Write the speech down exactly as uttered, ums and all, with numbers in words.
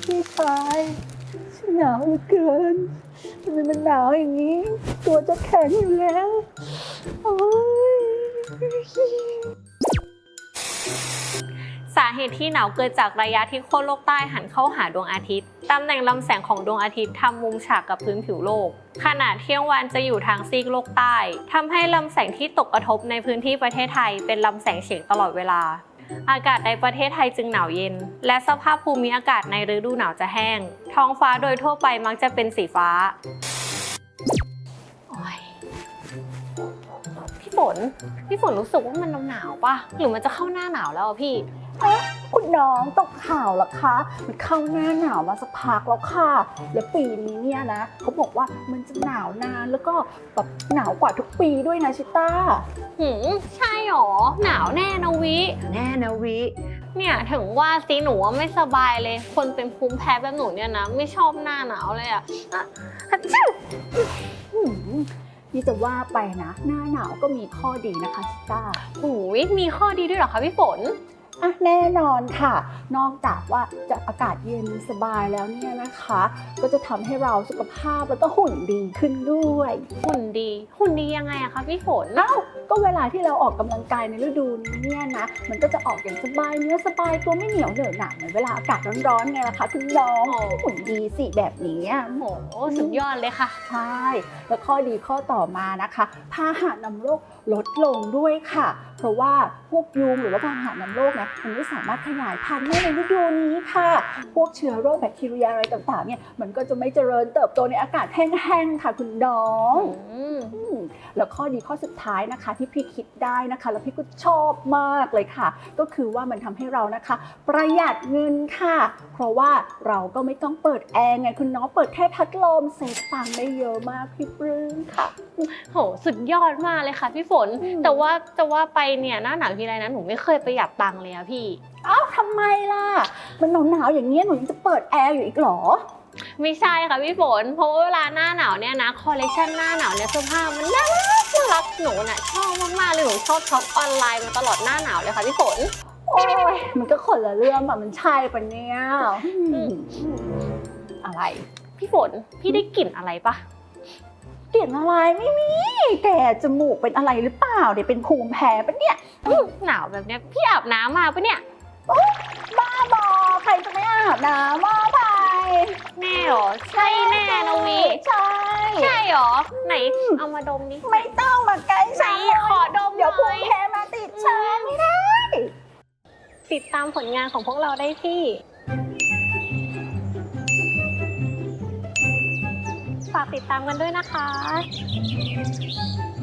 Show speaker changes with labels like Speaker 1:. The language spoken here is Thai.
Speaker 1: พี่ชายฉันหนาวเหลือเกินทำไมมันหนาวอย่างนี้ ตัวจะแข็งอยู่แล้วโอ้ย
Speaker 2: สาเหตุที่หนาวเกิดจากระยะที่ขั้วโลกใต้หันเข้าหาดวงอาทิตย์ตำแหน่งลำแสงของดวงอาทิตย์ทำมุมฉากกับพื้นผิวโลกขณะเที่ยงวันจะอยู่ทางซีกโลกใต้ทำให้ลำแสงที่ตกกระทบในพื้นที่ประเทศไทยเป็นลำแสงเฉียงตลอดเวลาอากาศในประเทศไทยจึงหนาวเย็นและสภาพภูมิอากาศในฤดูหนาวจะแห้งท้องฟ้าโดยทั่วไปมักจะเป็นสีฟ้าโอ๊ยพี่ฝนพี่ฝนรู้สึกว่ามันหนาวๆป่ะหรือมันจะเข้าหน้าหนาวแล้วอะพี่
Speaker 1: คุณน้องตกข่าวเหรอคะมันเข้าหน้าหนาวมาสักพักแล้วค่ะแล้วปีนี้เนี่ยนะเขาบอกว่ามันจะหนาวนานแล้วก็แบบหนาวกว่าทุกปีด้วยนะชิต้า
Speaker 2: หืมใช่หรอหนาวแน่นะวิ
Speaker 1: แน่นะวิ
Speaker 2: เนี่ยถึงว่าสิหนูว่าไม่สบายเลยคนเป็นภูมิแพ้แบบหนูเนี่ยนะไม่ชอบหน้าหนาวเลยอ่ะ
Speaker 1: นี่จะว่าไปนะหน้าหนาวก็มีข้อดีนะคะชิต้า
Speaker 2: หูยมีข้อดีด้วยเหรอคะพี่ฝน
Speaker 1: อ่ะแน่นอนค่ะนอกจากว่าจะอากาศเย็นสบายแล้วเนี่ยนะคะก็จะทำให้เราสุขภาพแล้วก็หุ่นดีขึ้นด้วย
Speaker 2: หุ่นดีหุ่นดียังไงอะคะพี่ฝน
Speaker 1: เอ้าก็เวลาที่เราออกกำลังกายในฤดูนี้เนี่ยนะมันก็จะออกอย่างสบายเนื้อสบายตัวไม่เหนียวเหนอะหนะเหมือนเวลาอากาศร้อนๆไงล่ะคะคุณน้องหุ่นดีสิแบบนี้
Speaker 2: โอ้โหสุดยอดเลยค่ะ
Speaker 1: ใช่แล้วข้อดีข้อต่อมานะคะพาหะนำโรคลดลงด้วยค่ะเพราะว่าพวกยุงหรือว่าพาหะนำโรคนะมันไม่สามารถขยายพันธุ์ได้ในฤดูนี้ค่ะพวกเชื้อโรคแบคทีเรียอะไรต่างๆเนี่ยมันก็จะไม่เจริญเติบโตในอากาศแห้งๆค่ะคุณน้องแล้วข้อดีข้อสุดท้ายนะคะที่พี่คิดได้นะคะแล้วพี่ก็ชอบมากเลยค่ะก็คือว่ามันทำให้เรานะคะประหยัดเงินค่ะเพราะว่าเราก็ไม่ต้องเปิดแอร์ไงคุณน้องเปิดแค่พัดลมเซฟตังค์ได้เยอะมากพี่ปลื้มค่ะ
Speaker 2: โหสุดยอดมากเลยค่ะพี่ฝนแต่ว่าจะว่าไปเนี่ยหน้าหนาวทีไรนะหนูไม่เคยประหยัดตังค์เลยอะพี่
Speaker 1: อ้าวทำไมล่ะมันหนาวๆอย่างเงี้ยหนูยังจะเปิดแอร์อยู่อีกหรอ
Speaker 2: ไม่ใช่ค่ะพี่ฝนเพราะว่าเวลาหน้าหนาวเนี่ยนะคอลเลคชันหน้าหนาวเนี่ยเสื้อผ้ามันน่ารักน่ารักหนูน่ะชอบมากๆเลยหนูชอบช็อปออนไลน์มาตลอดหน้าหนาวเลยค่ะพี่ฝน
Speaker 1: โอ้ยมันก็คนละเรื่องอะมันใช่ปะเนี่ย
Speaker 2: อะไรพี่ฝนพี่ได้กลิ่นอะไรปะ
Speaker 1: กลิ่นอะไรไม่มีแกจมูกเป็นอะไรหรือเปล่าเดี๋ยวเป็นภูมิแพ้ปะเนี่ย
Speaker 2: หนาวแบบเนี้ยพี่อาบน้ำมาปะเนี่ย
Speaker 1: บ้าบอใครจะไม่อาบน้ำมาไป
Speaker 2: แน่หรอใช่แน่นะวิ
Speaker 1: ใช่
Speaker 2: ใช่หรอไหนเอามาดมดิ
Speaker 1: ไม่ต้องมาใกล้ฉัน
Speaker 2: ขอดม
Speaker 1: เดี๋ยวภูมิแพ้มาติดฉันไม่ได้
Speaker 2: ติดตามผลงานของพวกเราได้ที่ฝากติดตามกันด้วยนะคะ